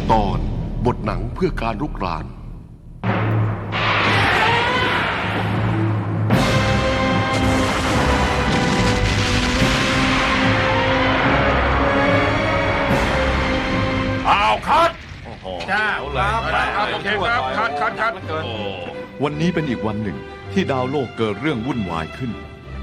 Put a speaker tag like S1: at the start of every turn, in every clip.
S1: ตอนบทหนังเพื่อการรุกราน
S2: อ้าวคัด
S3: โอ้โห
S2: จ้า
S3: ครับ
S2: โอเคครับคัด
S3: วันนี้เป็นอีกวันหนึ่งที่ดาวโลกเกิดเรื่องวุ่นวายขึ้น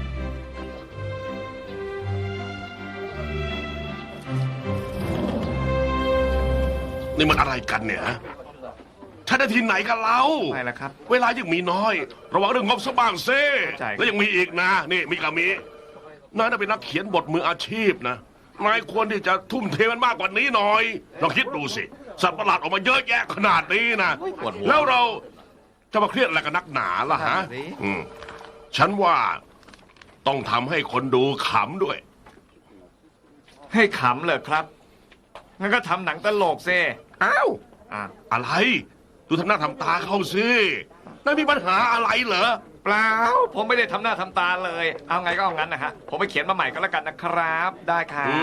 S1: นี่มันอะไรกันเนี่ยใช้ได้ที่ไหนกันเล่า
S3: ไม่ละครับ
S1: เวลายังมีน้อย ระวังเรื่องงบซะบ้างเซ่
S3: เข้าใจ
S1: แล้วยังมีอีกนะ นี่มีกามีนายน่ะเป็นนักเขียนบทมืออาชีพนะนายควรที่จะทุ่มเทมันมากกว่านี้หน่อยลองคิดดูสิสัตว์ประหลาดออกมาเยอะแยะขนาดนี้นะ
S3: ปวดหัว
S1: แล้วเราจะมาเครียดอะไรกันนักหนาล่ะฮะ
S3: นั่นสิ
S1: ฉันว่าต้องทำให้คนดูขำด้วย
S3: ให้ขำเลยครับงั้นก็ทำหนังตลกซิ
S1: อ้าว
S3: อ่ะ
S1: อะไร ดูทำหน้าทำตาเข้าสินายมีปัญหาอะไรเหรอ
S3: เปล่าผมไม่ได้ทำหน้าทำตาเลย เอาไงก็เอางั้นนะฮะผมไปเขียนมาใหม่ก็แล้วกันนะครับ ได้ครับ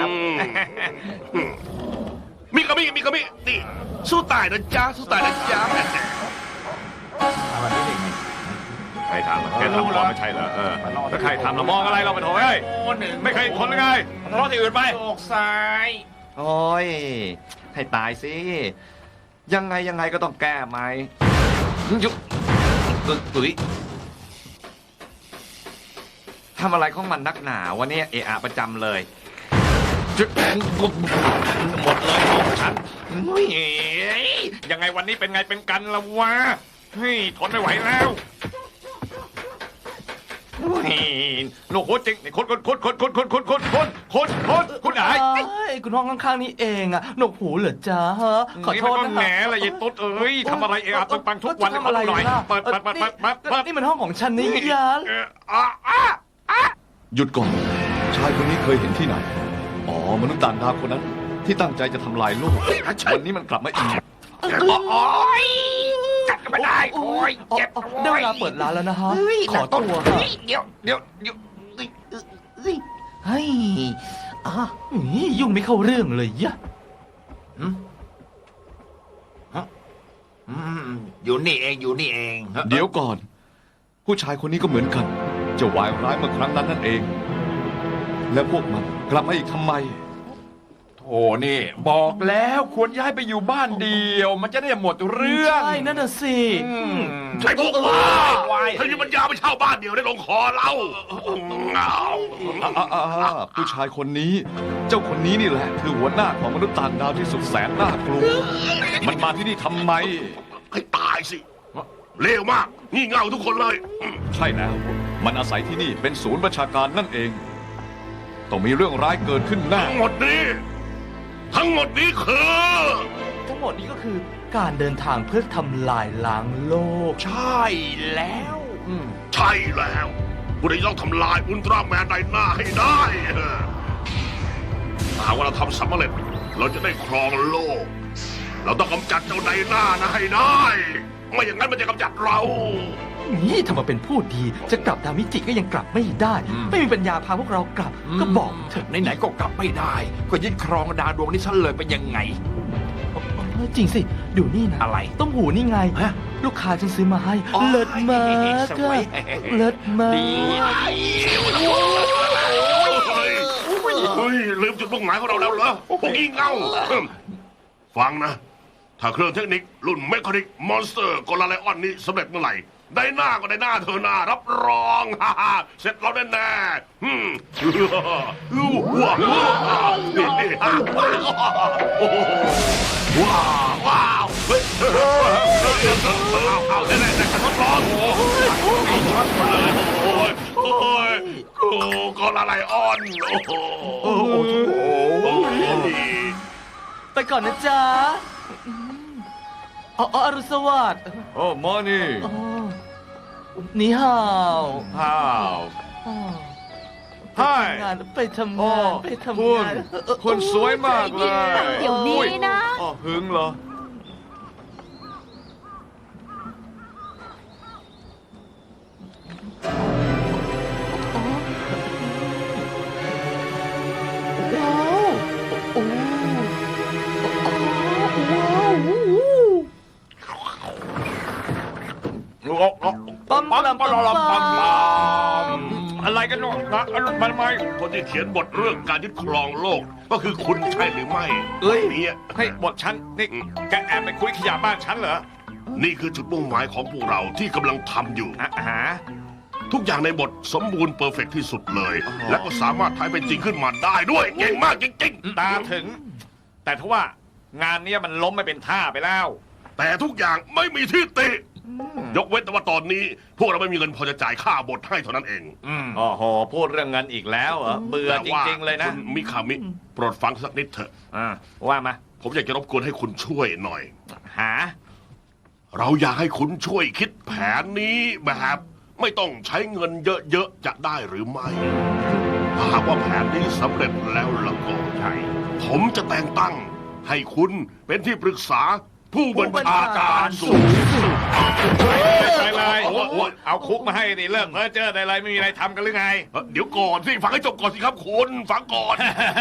S1: มีกระมี่นี่สู้ตายนะจ๊ะสู้ตายนะจ๊ะ
S3: ใครทำแกทำก่อนไม่ใช่เหรอแล้วใครทำเรามองอะไรเราไปโถเอ้ยไม่เคยทนหรือไงทะเลาะที่อื่นไป
S2: โอกซ้าย
S3: โอ้ยให้ตายสิยังไงก็ต้องแก้ไหมยุบตุ๋ยทำอะไรของมันนักหนาวันนี้เอะอะประจำเลยจุดหมดเลยของฉันเฮ้ยยังไงวันนี้เป็นไงเป็นกันละวะเฮ้ยทนไม่ไหวแล้วเฮ้ยลูกโคตรจริงคนคุณไหน
S4: คุณห้องข้างๆนี่เองอะหนวกหูเหรอจ๊ะฮะขอโทษ
S3: นี่มันก็
S4: นะ
S3: แหน
S4: คะ
S3: อะไรยายตุ๊ดเอ้ยทำอะไรเอะอะปังทุกวัน
S4: ทำอะไร
S3: หน่อย
S4: ล่ะ
S3: เปิด
S4: นี่มันห้องของฉันนี่ยัน
S3: หยุดก่อนชายคนนี้เคยเห็นที่ไหนอ๋อมนุษย์ต่างดาวคนนั้นที่ตั้งใจจะทำลายโลกวันนี้มันกลับมาอีก
S2: กัดกันไม่ได้โอ้ยเจ็บ
S4: ได้เวลาเปิดร้านแล้วนะฮะขอตัวค่ะ
S2: เดี๋ยว
S4: เฮ้ยยุ่งไม่เข้าเรื่องเลยยะ
S2: อยู่นี่เองอยู่นี่เอง
S3: เดี๋ยวก่อน ผู้ชายคนนี้ก็เหมือนกันจะวายร้ายเมื่อครั้งนั้นนั่นเอง และพวกมันกลับมาอีกทำไม
S2: โอ้นี่บอกแล้วควรย้ายไปอยู่บ้านเดียว มันจะได้หมดเรื่อง
S4: ใช่นั่นน่ะสิ
S1: ใช่พวกว่าถ้ามีปัญญาไปเช่าบ้านเดียวได้ลงคอเราเอา
S3: ผู้ชายคนนี้ เจ้าคนนี้นี่แหละ คือหัวหน้าของมนุษย์ต่างดาวที่สุดแสนน่ากลัว มันมาที่นี่ทำไม
S1: ให้ตายสิเลวมากงี่เง่าทุกคนเลย
S3: ใช่แล้ว มันอาศัยที่นี่เป็นศูนย์ประชาการนั่นเอง ต้องมีเรื่องร้ายเกิดขึ้นแน่
S1: ทั้งหมดนี้คือ
S4: ทั้งหมดนี้ก็คือการเดินทางเพื่อทำลายล้างโลก
S2: ใช่แล้ว
S1: ใช่แล้วผู้ใดต้องทำลายอุลตร้าแมนในหน้าให้ได้ถ้าหากว่าเราทำสำเร็จ เราจะได้ครองโลก เราต้องกำจัดเจ้าในหน้านะให้ได้ ไม่อย่างนั้นมันจะกำจัดเรา
S4: นี่ถ้ามาเป็นผู้ดีจะกลับดาวมิจิก็ยังกลับไม่ได้ ไม่มีปัญญาพาพวกเรากลับ ก็บอกเถอะ
S2: ไหนๆก็กลับไม่ได้ ก็ยึดครองดาวดวงนี้ซะเลยเป็นยังไง
S4: จริงสิ ดูนี่นะ
S2: อะไร
S4: ต้มหูนี่ไง
S2: ฮะ
S4: ลูกค้าฉันซื้อมาให้
S2: อ๋อ
S4: เลิศมาก
S2: สวย
S4: เลิศมาก
S2: ดี
S1: เฮ้ยลืมจุดมุ่งหมายของเราแล้วเหรอพวกงี่เง่าฟังนะ ถ้าเครื่องเทคนิครุ่นเมคานิกมอนสเตอร์กลาไลออนนี้สำเร็จเมื่อไหร่ ได้หน้าก็ได้หน้าเธอหน้ารับรองฮ่าฮ่าเสร็จเราแน่แน่ว้าวเฮ้ยเอาได้ทดลองโอ้ยกลาไลออนโอ้โห
S4: ไปก่อนนะจ๊ะอ๋ออรุณสวัสดิ์
S3: โอ้มอนี่
S4: อ๋อนี่ฮาว
S3: ฮ้าว
S4: อ๋อ
S3: ไฮ
S4: ไปทำงานไปทำ
S3: คุณ
S4: งาน
S3: คุณสวยมากเลย
S5: เดี๋ยวนี้นะ
S3: อ๋อหึงเหรอ
S4: ว้าวโอ้ว้าว
S3: อะไรกันเนาะมันไม่
S1: คนที่เขียนบทเรื่องการยึดครองโลก ก็คือคุณใช่หรือไม่
S3: เอ้ย
S1: เนี่ย
S3: ให้บทฉันนี่แกแอบไปคุยขยะบ้านฉันเหรอ
S1: นี่คือจุดมุ่งหมายของพวกเราที่กำลังทำอยู่
S3: หา
S1: ทุกอย่างในบทสมบูรณ์เพอร์เฟกที่สุดเลย
S3: อ๋อ
S1: และก็สามารถทายเป็นจริงขึ้นมาได้ด้วย เก่งมากจริง
S3: ตาถึง แต่ทว่างานเนี้ยมันล้มไม่เป็นท่าไปแล้ว
S1: ๆ แต่ทุกอย่างไม่มีที่ติ ยกเว้นแต่ว่าตอนนี้ พวกเราไม่มีเงินพอจะจ่ายค่าบทให้เท่านั้นเอง
S3: โอ้โหพูดเรื่องเงินอีกแล้วเหรอเบื่อจริงๆเลยนะ
S1: คุณมิคามิโปรดฟังสักนิดเถอะ
S3: ว่ามา
S1: ผมอยากจะรบกวนให้คุณช่วยหน่อย
S3: หา
S1: เราอยากให้คุณช่วยคิดแผนนี้แบบไม่ต้องใช้เงินเยอะๆจะได้หรือไม่ถ้าหากว่าแผนนี้สำเร็จแล้วล่ะก็ใช่ผมจะแต่งตั้งให้คุณเป็นที่ปรึกษาผู้บัญชาการสูงสุด
S3: ไปเลย
S1: โอ้ย
S3: เอาคุกมาให้ดิเลิกเพ้อเจ้อได้ไรไม่มีอะไรทำกันหรือไง
S1: เดี๋ยวก่อนสิฟังให้จบก่อนสิครับคุณฟังก่อน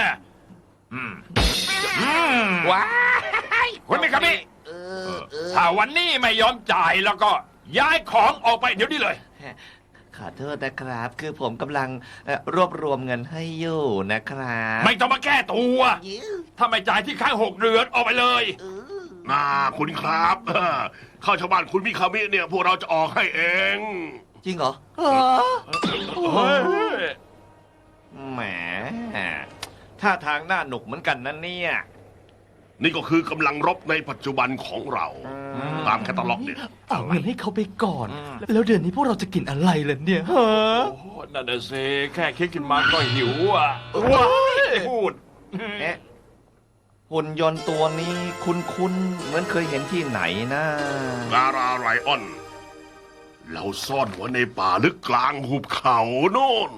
S3: ว้าย
S2: คุณมิคามิถ้าวันนี้ไม่ยอมจ่ายแล้วก็ย้ายของออกไปเดี๋ยวนี้เลย
S4: ขอโทษนะครับ คือผมกำลังรวบรวมเงินให้อยู่นะครับ
S2: ไม่ต้องมาแก้ตัว ถ้าไม่จ่ายที่ค้าง6 เดือนออกไปเลย
S1: น่าคุณครับเข้าชาวบ้านคุณมิคามิเนี่ยพวกเราจะออกให้เอง
S4: จริงเหรอ
S2: เฮ้ย
S3: แหมท่าทางน่าหนุกเหมือนกันนะเนี่ย
S1: นี่ก็คือกำลังรบในปัจจุบันของเรา ตามแคตตาล็อกเนี่ย
S4: เอาเงินให้เขาไปก่อน แล้วเดือนนี้พวกเราจะกินอะไรล่ะเนี่ยฮะ
S2: โอ้โหนั่นน่ะสิแค่คิดขึ้นมาก็หิวอ่ะว้ายพูด
S3: เอ๊ะหุ่นยนต์ตัวนี้คุ้นๆเหมือนเคยเห็นที่ไหนนะ
S1: กาลาไรออน เราซ่อนไว้ในป่าลึกกลางหุบเขาโน่น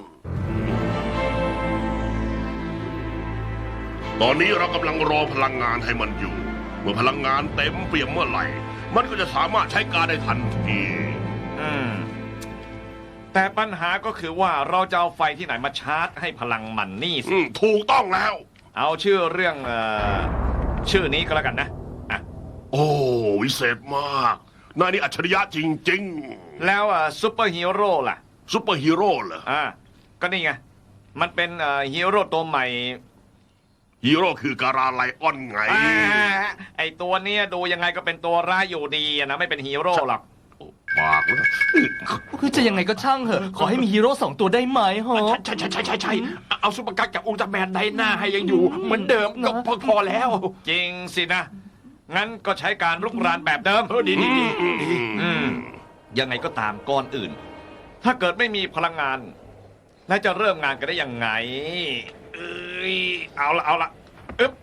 S1: ตอนนี้เรากำลังรอพลังงานให้มันอยู่ เมื่อพลังงานเต็มเปี่ยมเมื่อไหร่ มันก็จะสามารถใช้การได้ทันที
S3: แต่ปัญหาก็คือว่าเราจะเอาไฟที่ไหนมาชาร์จให้พลังมันนี่สิ
S1: ถูกต้องแล้ว
S3: เอาชื่อเรื่องชื่อนี้ก็แล้วกันนะอ่ะ
S1: โอ้วิเศษมากนายนี่อัจฉริยะจริง
S3: แล้วซุปเปอร์ฮีโร่ล่ะ
S1: ๆซุปเปอร์ฮีโร่เหรอ
S3: ก็นี่ไง มันเป็นฮีโร่ตัวใหม่
S1: ฮีโร่คือกาลาไลออนไง
S3: ไอตัวเนี้ยดูยังไงก็เป็นตัวร้ายอยู่ดีอะนะไม่เป็นฮีโร่หรอก
S1: ปากเลย
S4: คือจะยังไงก็ช่างเหอะ ขอให้มีฮีโร่2 ตัวได้ไหมฮะ
S2: ใช่เอาซุปเปอร์กั๊กกับอุลตร้าแมนในหน้าให้ยังอยู่ เหมือนเดิมก็พอแล้ว
S3: จริงสินะ งั้นก็ใช้การลุกรานแบบเดิม
S2: ดี
S3: ยังไงก็ตามก่อนอื่น ถ้าเกิดไม่มีพลังงาน แล้วจะเริ่มงานกันได้ยังไง เอาละอึ๊บ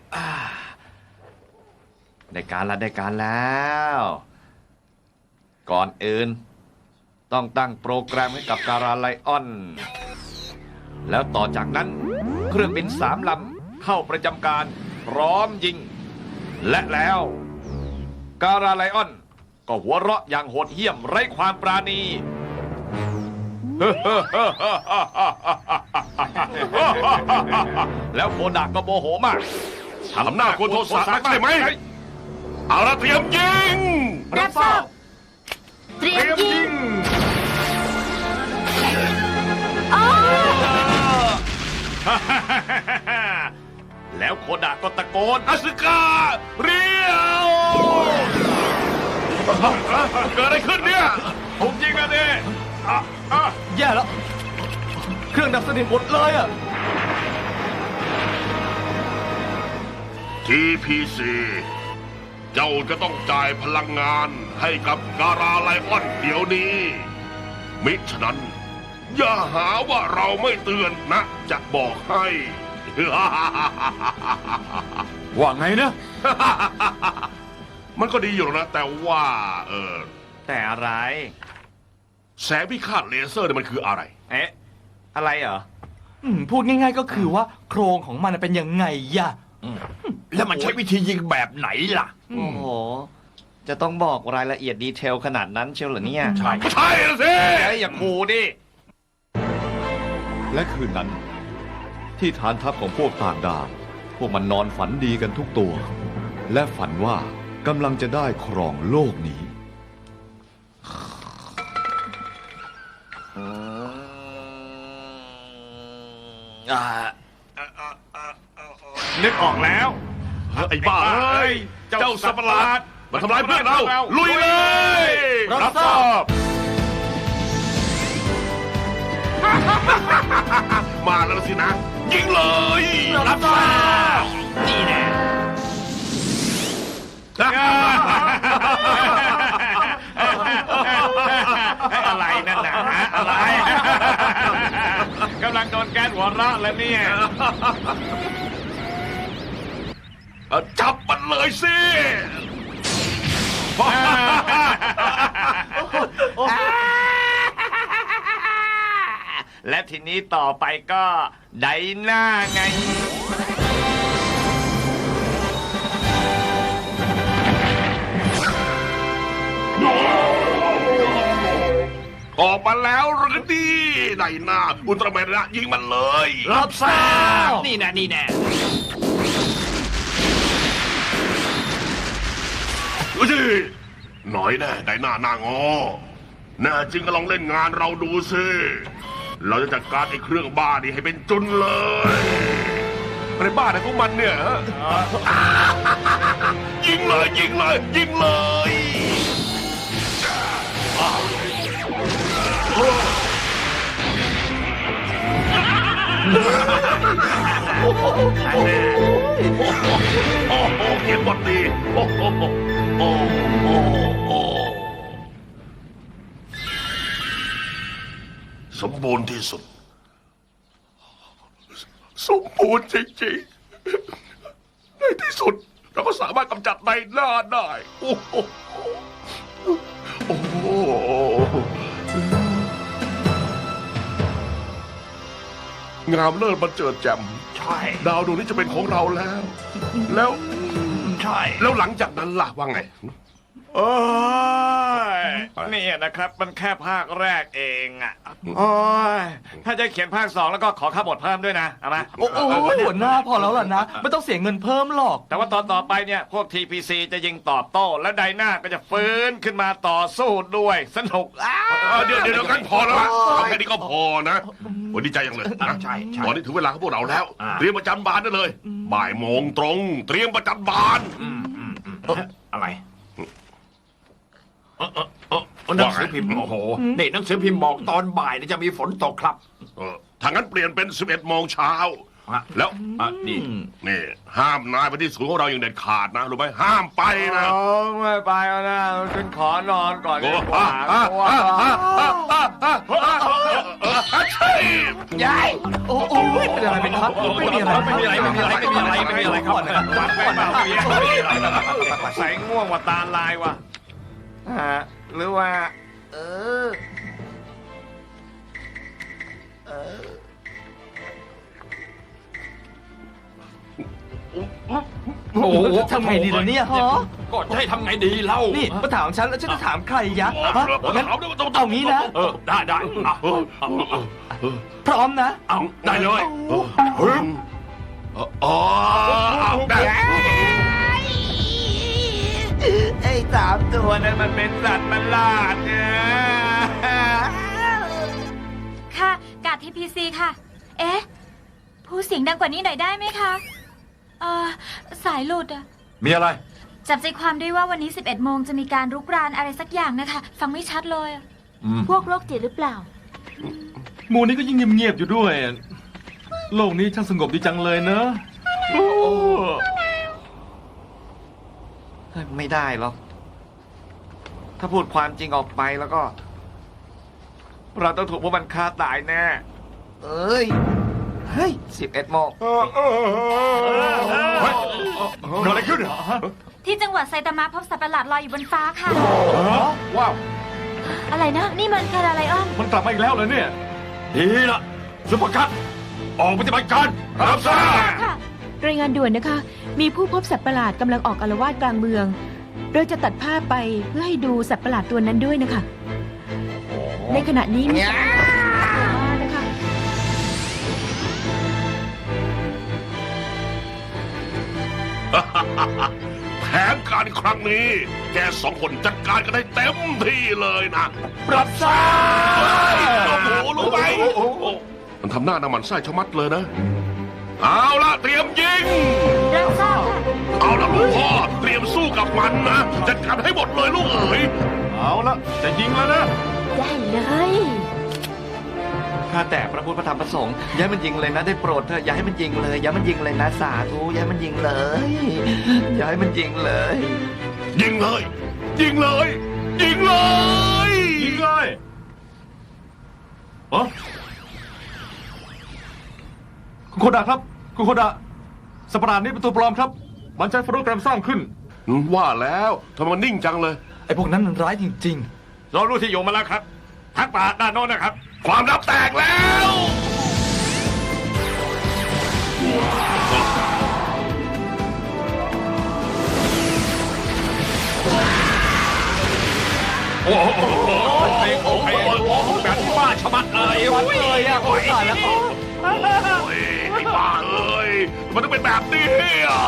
S3: ได้การแล้ว ก่อนอื่น ต้องตั้งโปรแกรมให้กับการาไลออน แล้วต่อจากนั้น เครื่องบิน3 ลำเข้าประจำการพร้อมยิง และแล้ว การาไลออนก็หัวเราะอย่างโหดเหี้ยมไร้ความปราณี แล้วโคดากก็โมโหมาก
S1: ทำหน้ากวนโทสะนักใช่ไหม เอาละเตรียมยิง
S5: รับทราบเตรียมยิง
S3: แล้วโคดาก็ตะโกน
S1: อสึกาเรียวเกิดอะไรขึ้นเนี่ย
S3: ผมจริงอะดิ
S4: แย่แล้ว เครื่องดับสนิทหมดเลยอ่ะ
S1: TPC เจ้าจะต้องจ่ายพลังงานให้กับการาไลออนเดี๋ยวนี้ มิฉะนั้น อย่าหาว่าเราไม่เตือนนะ จะบอกให้
S2: ว่าไงนะ
S1: มันก็ดีอยู่นะ แต่ว่า
S3: แต่อะไร
S1: แสงพิฆาตเลเซอร์เนี่ยมันคืออะไร
S3: เอ๊ะ อะไรเหรอ
S4: พูดง่ายๆก็คือว่าโครงของมันเป็นยังไงย่ะ
S2: แล้วมันใช้วิธียิงแบบไหนล่ะ
S3: โอ้โห จะต้องบอกรายละเอียดดีเทลขนาดนั้นเชียวเหรอเนี่ย
S2: ใช่
S1: ใช่แล้วสิ
S3: เอ้ยอย่าคูดิ
S6: และคืนนั้น ที่ฐานทัพของพวกต่างดาวพวกมันนอนฝันดีกันทุกตัว และฝันว่ากำลังจะได้ครองโลกนี้
S3: นึกออกแล้ว
S1: ไอ้บ้าเอ้ยเจ้าสัตว์ประหลาดมาทำร้ายเพื่อนเราลุยเลย
S2: รับทราบ
S1: มาแล้วสินะยิงเลยรับทราบนี่แน่
S3: อะไรนั่นนะฮะอะไรกำลังโดนแก๊สหัวเราะแล้วเนี่ย
S1: จับมันเลยสิ
S3: และทีนี้ต่อไปก็ไดหน้าไง
S1: ออกมาแล้วหรือดีไดหน้าอุลตร้าแมนนะยิงมันเลย
S3: รับทราบนี่แน่นี่แน่
S1: ดูสิหน่อยแน่ไดหน้าหน้างอแน่จริงก็ลองเล่นงานเราดูสิเราจะจัดการไอ้เครื่องบ้านี่ให้เป็นจุนเลยอะไรบ้าอะไรของมันเนี่ยยิงเลยยิงเลยยิงเลยโอ้โหเขียนบทดีโอ้โหโอ้โหสมบูรณ์ที่สุดสมบูรณ์จริงๆในที่สุดเราก็สามารถกำจัดในหน้าได้โอ้โหโอ้โหงามเลิศบันเจิดแจ่ม
S3: ใช่
S1: ดาวดวงนี้จะเป็นของเราแล้ว แล้ว
S3: ใช่
S1: แล้วหลังจากนั้นล่ะว่าไง
S3: โอ้ยนี่นะครับมันแค่ภาคแรกเองอ่ะโอ้ยถ้าจะเขียนภาค2แล้วก็ขอค่าบทเพิ่มด้วยนะเอามา
S4: โอ้โหหัวหน้าพอแล้วล่ะนะ ไม่ต้องเสียเงินเพิ่มหรอก
S3: แต่ว่าตอนต่อไปเนี่ยพวก TPC จะยิงตอบโต้ และไดนาก็จะฟื้นขึ้นมาต่อสู้ด้วยสนุก
S1: เดี๋ยวกันพอแล้วล่ะเอาแค่นี้ก็พอนะวันดีใจยังเลยนะ
S3: ใช่ใช่
S1: ตอนนี้ถึงเวลาของพวกเราแล้ว
S3: อ่า
S1: เตรียมประจันบานได้เลย บ่ายโมงตรง เตรียมประจันบาน
S3: อะไรหนังสือพิมพ์โอ้โหนี่หนังสือพิมพ์บอกตอนบ่ายเนี่ยจะมีฝนตกครับ
S1: ถ้างั้นเปลี่ยนเป็น 11 โมงเช้า
S3: ฮะ
S1: แล้ว
S3: นี่
S1: นี่ห้ามนายไปที่ศูนย์ของเราอย่างเด็ดขาดนะรู้ไหมห้ามไปนะ
S3: ไม่ไปแล้วนะฉันขอนอนก่อน
S1: โอ้
S3: ดีกว่า
S1: ยาย
S4: โอ้โหเป็นอะไรเป็นครับไม่มีอะไร
S3: ไม่มีอะไรไม่มีอะไรไม่มีอะไรไม่มีอะไรครับ
S4: ก่อนนะครับ
S3: ฟังไปเปล่าเมียใส่ง่วงว่าตาลายว่ะหรือว่า
S4: โอ้โหทำไงดีล่ะเนี่ยฮะ
S2: ก็จะให้ทำไงดีเล่า
S4: นี่มาถามฉันแล้วฉันจะถามใครยะฮะงั้นเอางี้นะ
S2: ได้
S4: พร้อมนะ
S2: เอาได้เลย
S1: อ๋อได้
S3: ไอ้3 ตัวนั้นมันเป็นสัตว์ประหลาดเนี่ย
S5: ค่ะกาดทีพีซีค่ะ เอ๊ะ พูดเสียงดังกว่านี้หน่อยได้ไหมคะ สายหลุดอะ
S2: มีอะไร
S5: จับใจความได้ว่าวันนี้ 11 โมงจะมีการรุกรานอะไรสักอย่างนะคะ ฟังไม่ชัดเลยอะ
S7: พวกโรคจิตหรือเปล่า
S4: หมู่นี้ก็ยิ่งเงียบๆอยู่ด้วย โลกนี้ช่างสงบดีจังเลยเนอะ
S3: ไม่ได้หรอกถ้าพูดความจริงออกไปแล้วก็ เราต้องถูกพวกมันฆ่าตายแน่เอ้ย เฮ้ย 11 โมง
S2: เกิดอะไรขึ้น
S5: ที่จังหวัดไซตามะพบสัตว์ประหลาดลอยอยู่บนฟ้าค่ะ
S2: ว้าว
S5: อะไรนะ นี่มันแคราไลออน
S4: มันกลับมาอีกแล้วเหรอเนี่ย
S2: ดีละซุปเปอร์คัทออกปฏิบัติการรับทราบ
S5: ค่ะ
S7: รายงานด่วนนะคะ มีผู้พบสัตว์ประหลาดกำลังออกอาละวาดกลางเมือง เราจะตัดภาพไปเพื่อให้ดูสัตว์ประหลาดตัวนั้นด้วยนะคะ ในขณะนี้มีสัตว์ประหลาดตัวมานะคะ
S1: แผนการครั้งนี้ แกสองคนจัดการกันได้เต็มที่เลยนะ
S4: รับทราบ
S1: โอ้โหรู้ไหมมันทำหน้าน้ำมันไส้ชะมัดเลยนะ เอาละเตรียมยิง
S5: รับทราบค่ะ
S1: เอาละลูกพ่อเตรียมสู้กับมันนะจัดการให้หมดเลยลูกเอ๋ย
S2: เอาละจะยิงแล้วนะ
S7: ได้เลย
S3: ข้าแต่พระพุทธพระธรรมพระสงฆ์อย่าให้มันยิงเลยนะได้โปรดเถอะอย่าให้มันยิงเลย อย่าให้มันยิงเลยนะสาธุอย่าให้มันยิงเลย อย่าให้มันยิงเลย
S1: ยิงเลย ยิงเลย ยิงเลย
S2: ยิงเลยเออคุณโคดะครับ คุณโคดะสัตว์ประหลาดนี้เป็นตัวปลอมครับ มันใช้โปรแกรมสร้างขึ้น
S1: ว่าแล้วทำไมมันนิ่งจังเลย
S4: ไอ้พวกนั้นมันร้ายจริง
S3: เรารู้ที่อยู่มาแล้วครับทักป่าด้านโน้นนะครับ
S1: ความลับแตกแล้ว
S3: โอ้โหโอ้โหแบบที่บ้าชะมัดเลย
S4: ๆวัดเลยอ่ะโอ้ยตายแล้ว
S1: โอ้ยไอ้บ้าเอ้ยมันต้องเป็นแบบนี้อ่ะ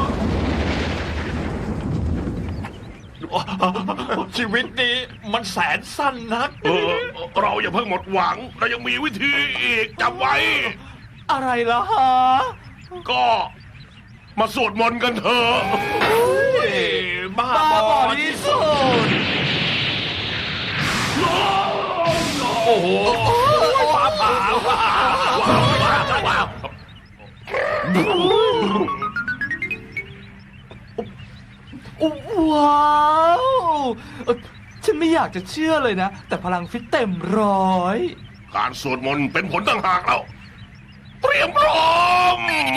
S3: ชีวิตนี้มันแสนสั้นนัก
S1: เราอย่าเพิ่งหมดหวัง เรายังมีวิธีอีกจำไว้
S4: อะไรล่ะฮะ
S1: ก็มาสวดมนต์กันเถอะ
S3: บ้า
S4: บ้า
S3: บบ อ
S4: อ
S3: ที่
S4: ที่
S3: สุด
S4: สุด
S3: โอ้โหฟ้าผ่า
S4: ว้าวฉันไม่อยากจะเชื่อเลยนะ แต่พลังฟิตเต็มร้อย
S1: การสวดมนต์เป็นผลต่างหากเราเตรียมพร้อม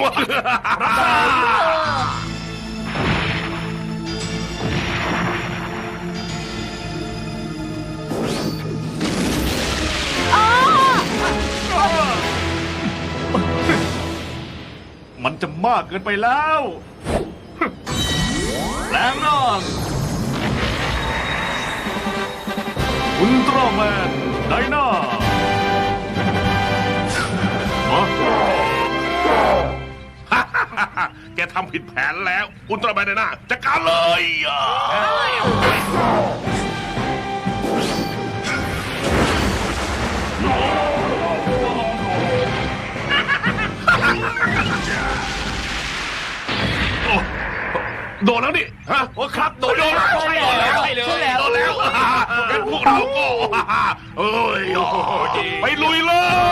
S2: มันจะมากเกินไปแล้วแปลงร่างอุลตร้าแมนไดนาฮะ
S1: แกทำผิดแผนแล้ว อุลตร้าแมนไดนาจัดการเลย โดนแล้วนี่ฮะ
S3: โอ้ครับโดนแล้ว
S1: ใช่แล้วใช่แล้วโดนแล้วงั้นพวกเราก็เอ้ยไปลุยเลย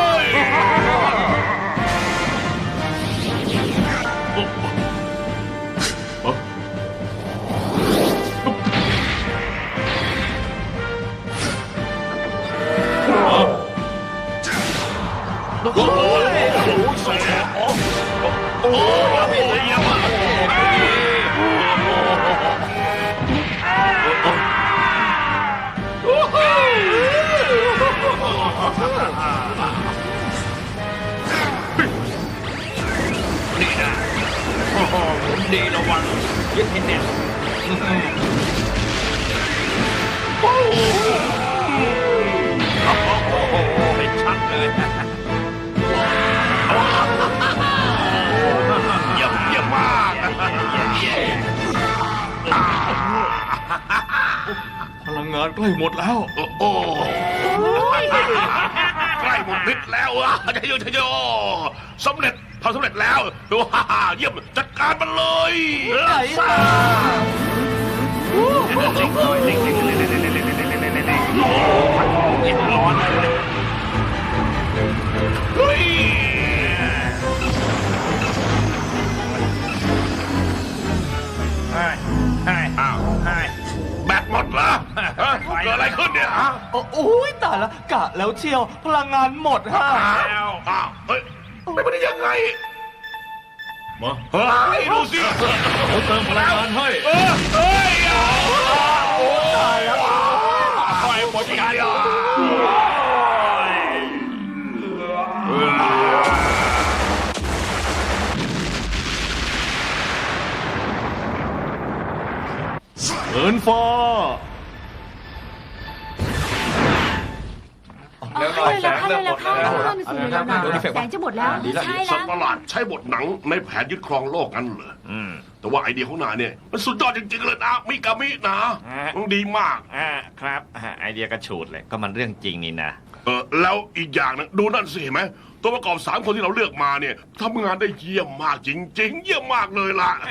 S1: โอ้โหสวยโอ้ยเยี่ยมมากนี่นะโอ้โหดีระวังยึดให้แน่นโอ้โหเป็นชัดเลย เยี่ยมมาก
S2: พลังงานใกล้หมดแล้ว
S1: โอ้โหใกล้หมดฤทธิ์แล้วชัยโยชัยโยสำเร็จทำสำเร็จแล้วเยี่ยมจัดการมันเลย
S4: ไหนล่ะ
S3: ร้อน
S1: เฮ้ยอ้าวแบตหมดเหรอเกิดอะไรขึ้นเนี่ยฮะ
S4: โอ้ยตายแล้วกะแล้วเชียวพลังงานหมดฮะ
S1: อ้าวเฮ้ยไม่ได้ยังไง
S2: มา
S1: เฮ้ยดูสิ
S2: เขาเติมพลังงานให้
S1: เฮ้ยโอ้ตายแล้วปล่อยหมดกัน
S2: เอินฟ้า
S5: เร็วหน่อยแสงเริ่มหมดแล้วแสงจะหมดแล้วใช่
S1: สั
S5: แล้
S1: ต
S5: ว
S1: ว์ประหลาดใช้บทหนังในแผนยึดครองโลกกันเหรอแต่ว่าไอเดียของนายเนี่ยมันสุดยอดจริงๆเลยนะมิกามินะมันดีมาก
S3: ครับไอเดียกระฉูดเลยก็มันเรื่องจริงนี่นะ
S1: แล้วอีกอย่างนะดูนั่นสิเห็นไหมตัวประกอบ3 คนที่เราเลือกมาเนี่ยทำงานได้เยี่ยมมากจริงๆ เยี่ยมมากเลยล่ะ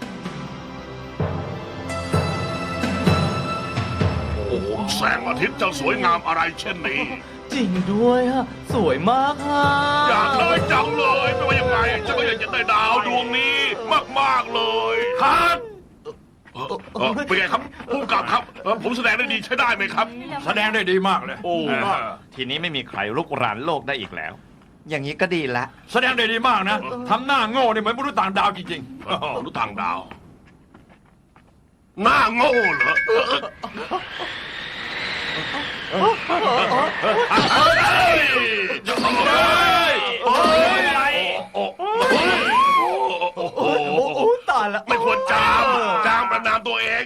S1: โอ้โหแสงอาทิตย์จะสวยงามอะไรเช่นนี้
S4: จริงด้วยฮะ สวยมากฮะ
S1: อยากได้จังเลยไม่ว่ายังไงฉันก็อยากจะได้ดาวดวงนี้มากๆเลยครับเป็นไงครับผู้กำกับครับผมแสดงได้ดีใช้ได้ไหมครับ
S2: แสดงได้ดีมากเลย
S1: โอ้
S3: ทีนี้ไม่มีใครลุกรานโลกได้อีกแล้ว อย่างนี้ก็ดีละ
S2: แสดงได้ดีมากนะทำหน้าโง่เนี่ยเหมือนมนุษย์ต่างดาวจริง
S1: รู้ทางดาว หน้าโง่เหรอโอ้โห
S4: โอ้ตายละ
S1: ไม่ควรจามประนามตัวเอง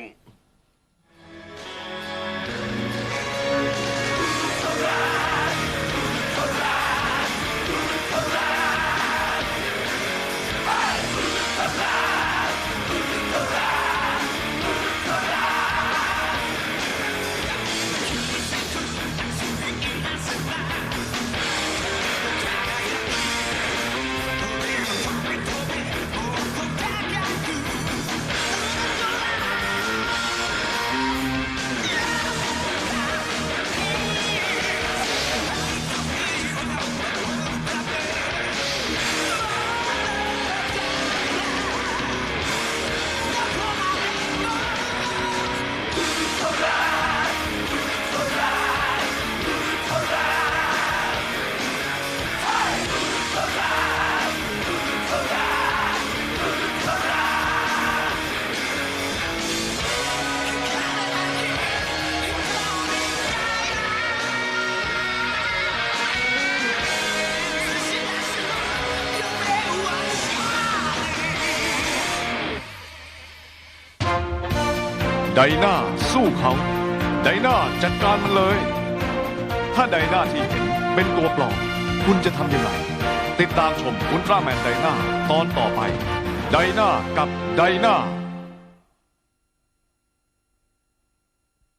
S6: ไดนาสู้เขาไดนาจัดการมันเลย ถ้าไดนาที่เห็นเป็นตัวปลอมคุณจะทำยังไงติดตามชมอุลตร้าแมนไดนาตอนต่อไปไดนากับไดนา